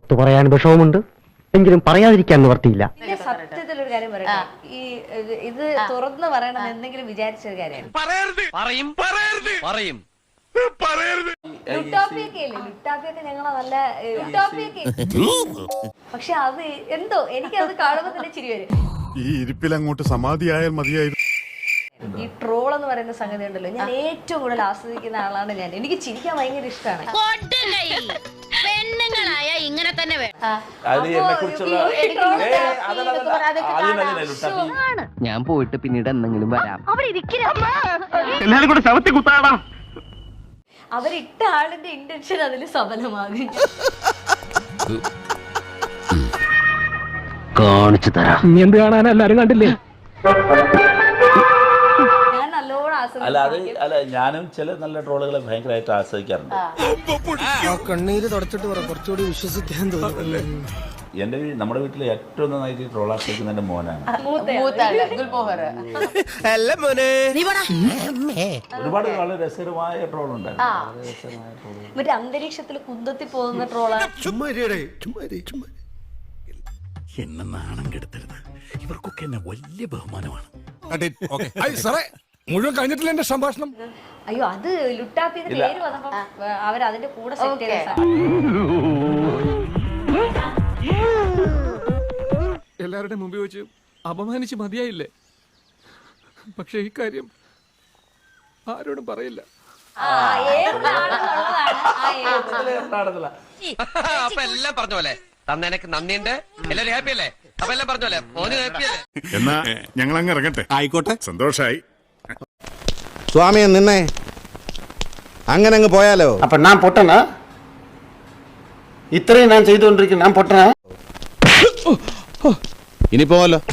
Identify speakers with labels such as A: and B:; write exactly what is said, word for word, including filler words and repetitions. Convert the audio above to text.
A: പുറത്തു പറയാൻ വിഷമമുണ്ട്, എങ്കിലും പറയാതിരിക്കാൻ നിവർത്തിയില്ല.
B: സത്യത്തിലൊരു കാര്യം പറയട്ടെ, ഈ ഇത് തുറന്ന് പറയണം എന്തെങ്കിലും വിചാരിച്ചൊരു കാര്യമാണ്. ലുട്ടാപ്പിയൊക്കെ ഇല്ലേ, ലുട്ടാപ്പിയൊക്കെ ഞങ്ങളെ നല്ല ലുട്ടാപ്പിയൊക്കെ, പക്ഷെ അത് എന്തോ എനിക്കത് കാണുമ്പോ തന്നെ ചിരി വരും.
C: ഈ ഇരിപ്പിൽ അങ്ങോട്ട് സമാധിയായാൽ മതിയായിരുന്നു.
B: ഈ ട്രോൾ എന്ന് പറയുന്ന സംഗതി ഉണ്ടല്ലോ, ഞാൻ ഏറ്റവും കൂടുതൽ ആസ്വദിക്കുന്ന ആളാണ് ഞാൻ. എനിക്ക് ചിരിക്കാൻ ഭയങ്കര ഇഷ്ടമാണ്.
D: പെണ്ണുങ്ങളായ ഇങ്ങനെ തന്നെ
A: ഞാൻ പോയിട്ട് പിന്നീട് എന്തെങ്കിലും വരാം.
B: അവരിട്ട ആളിന്റെ ഇന്റൻഷൻ അതിൽ സഫലമാകും.
A: കാണിച്ചു തരാം. ഇനി എന്ത് കാണാൻ എല്ലാരും കണ്ടില്ലേ?
B: ഞാൻ നല്ലോണം
E: അല്ല അത്
B: ആസ്വദിക്കും.
E: അല്ല ഞാനും ചില നല്ല ട്രോളുകളെ ഭയങ്കരമായിട്ട് ആസ്വദിക്കാറുണ്ട്.
F: കണ്ണീര് തുടച്ചിട്ട് പറ, കുറച്ചുകൂടി വിശ്വസിക്കാൻ തോന്നുന്നു.
E: എന്റെ നമ്മുടെ വീട്ടിൽ ഏറ്റവും നന്നായിട്ട് ട്രോൾ ആസ്വദിക്കുന്ന എന്റെ മോനാണ്. ഒരുപാട് വളരെ രസകരമായ ട്രോൾ ഉണ്ടായിരുന്നു.
B: മറ്റേ അന്തരീക്ഷത്തിൽ കുന്തത്തി പോകുന്ന ട്രോളാണ്.
G: എന്നെ നാണം കെടുത്തരുത്, ഇവർക്കൊക്കെ എന്നെ വലിയ ബഹുമാനമാണ്.
F: മുഴുവൻ കഴിഞ്ഞിട്ടില്ല എന്റെ സംഭാഷണം.
B: അയ്യോ, അത് ലുട്ടാപ്പിന്റെ പേര് വന്നപ്പോ അവർ അതിന്റെ കൂടെ സെറ്റ് ചെയ്ത സാധനം.
F: എല്ലാവരുടെയും മുമ്പിൽ വെച്ച് അപമാനിച്ച് മതിയായില്ലേ? പക്ഷെ ഈ കാര്യം ആരോടും പറയില്ല.
B: ആ, ഏതാണെന്നുള്ളതാണ് ആ ഏത്.
H: അപ്പൊ എല്ലാം പറഞ്ഞ പോലെ തന്നെനിക്ക് നന്ദിയുണ്ട്. എല്ലാരും ഹാപ്പി അല്ലേ? അപ്പൊ എല്ലാം പറഞ്ഞ പോലെ മോന് ഹാപ്പി അല്ലേ?
C: എന്നാ ഞങ്ങൾ അങ്ങ് ഇറങ്ങട്ടെ.
G: ആയിക്കോട്ടെ,
C: സന്തോഷായി.
I: സ്വാമിയെ നിന്നെ അങ്ങനെ അങ്ങ് പോയാലോ?
J: അപ്പൊ ഞാൻ പൊട്ടനാ? ഇത്രയും ഞാൻ ചെയ്തുകൊണ്ടിരിക്കുന്നു, ഞാൻ പൊട്ടനാ?
I: ഇനി പോവല്ലോ.